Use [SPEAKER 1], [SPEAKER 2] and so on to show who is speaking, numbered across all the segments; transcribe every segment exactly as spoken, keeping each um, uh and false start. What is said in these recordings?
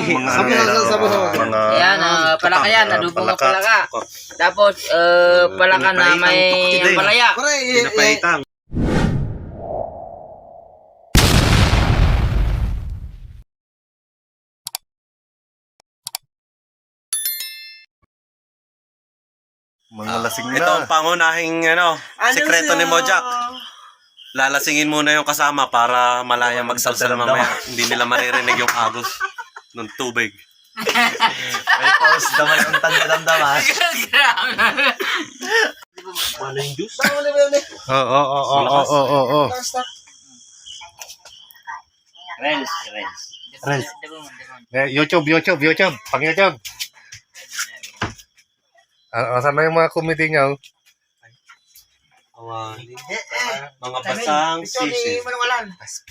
[SPEAKER 1] mga
[SPEAKER 2] Sabi
[SPEAKER 1] ano,
[SPEAKER 2] na, sabi na.
[SPEAKER 1] mga
[SPEAKER 3] Ayan, uh, palaka yan,
[SPEAKER 1] ah,
[SPEAKER 3] adubong
[SPEAKER 1] palaka.
[SPEAKER 3] palaka. Tapos, uh, palaka na
[SPEAKER 1] Pinapaitang
[SPEAKER 3] may
[SPEAKER 1] tukdi.
[SPEAKER 3] palaya.
[SPEAKER 2] Pare, eh, eh,
[SPEAKER 1] Pinapaitang.
[SPEAKER 4] Mga lasing
[SPEAKER 1] Ito ang
[SPEAKER 4] na.
[SPEAKER 1] pangunahing ano, sekreto ni Mojak. Lalasingin muna yung kasama para malaya magsalsal mamaya. Hindi nila maririnig yung agos ng tubig.
[SPEAKER 4] May pause naman ang tanda-damdaman.
[SPEAKER 2] Ano yung juice? Saan mo na ba yun eh?
[SPEAKER 4] Oo, oo, oo, oo, oo, oo.
[SPEAKER 3] Rels, rels.
[SPEAKER 4] Rels. Eh, YouTube, YouTube, YouTube. Pang YouTube. Ah, saan na yung mga comedy niya?
[SPEAKER 1] Awan. Mga basang
[SPEAKER 2] Ito ni
[SPEAKER 1] sisig.
[SPEAKER 2] Manungalan.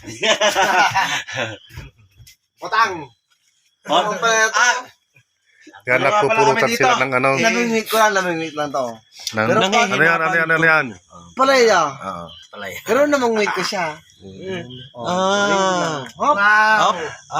[SPEAKER 2] Utang.
[SPEAKER 1] Oh,
[SPEAKER 2] Ah,
[SPEAKER 4] Yan, nagpupurutan sila ng ano.
[SPEAKER 2] namimit ko lang, namimit lang to.
[SPEAKER 4] Ng,
[SPEAKER 2] Pero
[SPEAKER 4] ano yan, ano yan, ano yan?
[SPEAKER 2] Palaya.
[SPEAKER 4] Oo.
[SPEAKER 2] Pero namang wait ko siya.
[SPEAKER 4] Ah.
[SPEAKER 2] Hop.
[SPEAKER 1] Hop.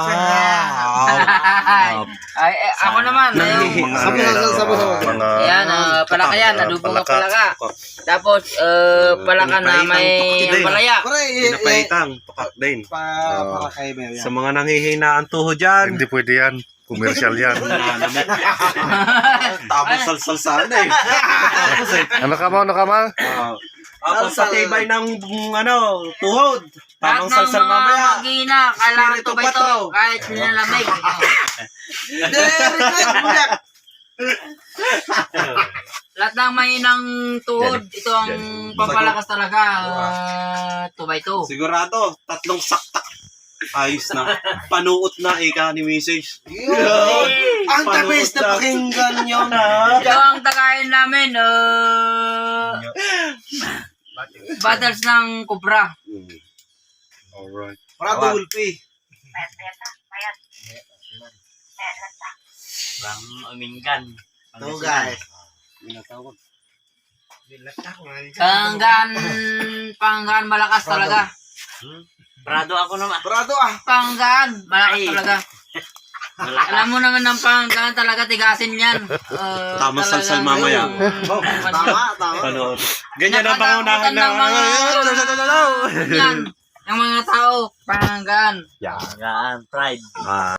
[SPEAKER 3] Ay, ay, eh, ako naman. Ayun.
[SPEAKER 2] Sabi na, sabi na.
[SPEAKER 1] mga
[SPEAKER 3] Ayan, uh, palaka yan,
[SPEAKER 1] ah,
[SPEAKER 3] adubong
[SPEAKER 1] palaka.
[SPEAKER 3] palaka. Tapos, uh, palaka na
[SPEAKER 1] Pinapaitang
[SPEAKER 3] may
[SPEAKER 1] tukdi.
[SPEAKER 3] palaya.
[SPEAKER 2] Pare, eh, eh,
[SPEAKER 1] Pinapaitang. Tukak din.
[SPEAKER 2] pa, para kay Mel yan.
[SPEAKER 1] Sa mga nanghihina ang tuho dyan.
[SPEAKER 4] Hindi pwede yan. Commercial yan.
[SPEAKER 1] Tapos salsal na eh. Tapos eh.
[SPEAKER 4] Ano ka mo, ano ka mo?
[SPEAKER 1] Tapos sa tibay ng mm, ano, tuhod.
[SPEAKER 3] Lahat
[SPEAKER 1] Tamang
[SPEAKER 3] ng
[SPEAKER 1] salsal
[SPEAKER 3] mga
[SPEAKER 1] mamaya.
[SPEAKER 3] mag-ina, kailangan
[SPEAKER 1] Spirito
[SPEAKER 3] to ba ito?
[SPEAKER 1] patro.
[SPEAKER 3] Kahit nilalamig.
[SPEAKER 2] Hindi, request mo yan.
[SPEAKER 3] Lahat ng mahinang tuhod, ito ang pampalakas talaga. Uh, two by two.
[SPEAKER 1] Sigurado, tatlong saktak. Ayos na. Panuot na ika ni Missus.
[SPEAKER 2] Yun. Ang tabis na pakinggan yun, ha?
[SPEAKER 3] Ito ang tagayin namin. Uh, battles ng Cobra.
[SPEAKER 1] Alright.
[SPEAKER 2] Para dulpi.
[SPEAKER 3] Bang Amingan.
[SPEAKER 2] Ito, guys.
[SPEAKER 3] Panggan, panggan malakas talaga.
[SPEAKER 5] Prado ako naman.
[SPEAKER 2] Parado ah.
[SPEAKER 3] Panggan, malakas talaga. Alam mo naman ng panggan talaga tigasin yan. Uh,
[SPEAKER 1] Tamang
[SPEAKER 3] talagang
[SPEAKER 1] salsal mamaya.
[SPEAKER 3] yung-
[SPEAKER 2] Tama, tama.
[SPEAKER 1] Panuot. Ganyan ang pangunahan
[SPEAKER 3] Nakatakutan ng mga
[SPEAKER 1] na.
[SPEAKER 3] yan. Yung mga tao, panggan.
[SPEAKER 5] Yan, pride.
[SPEAKER 1] Ah.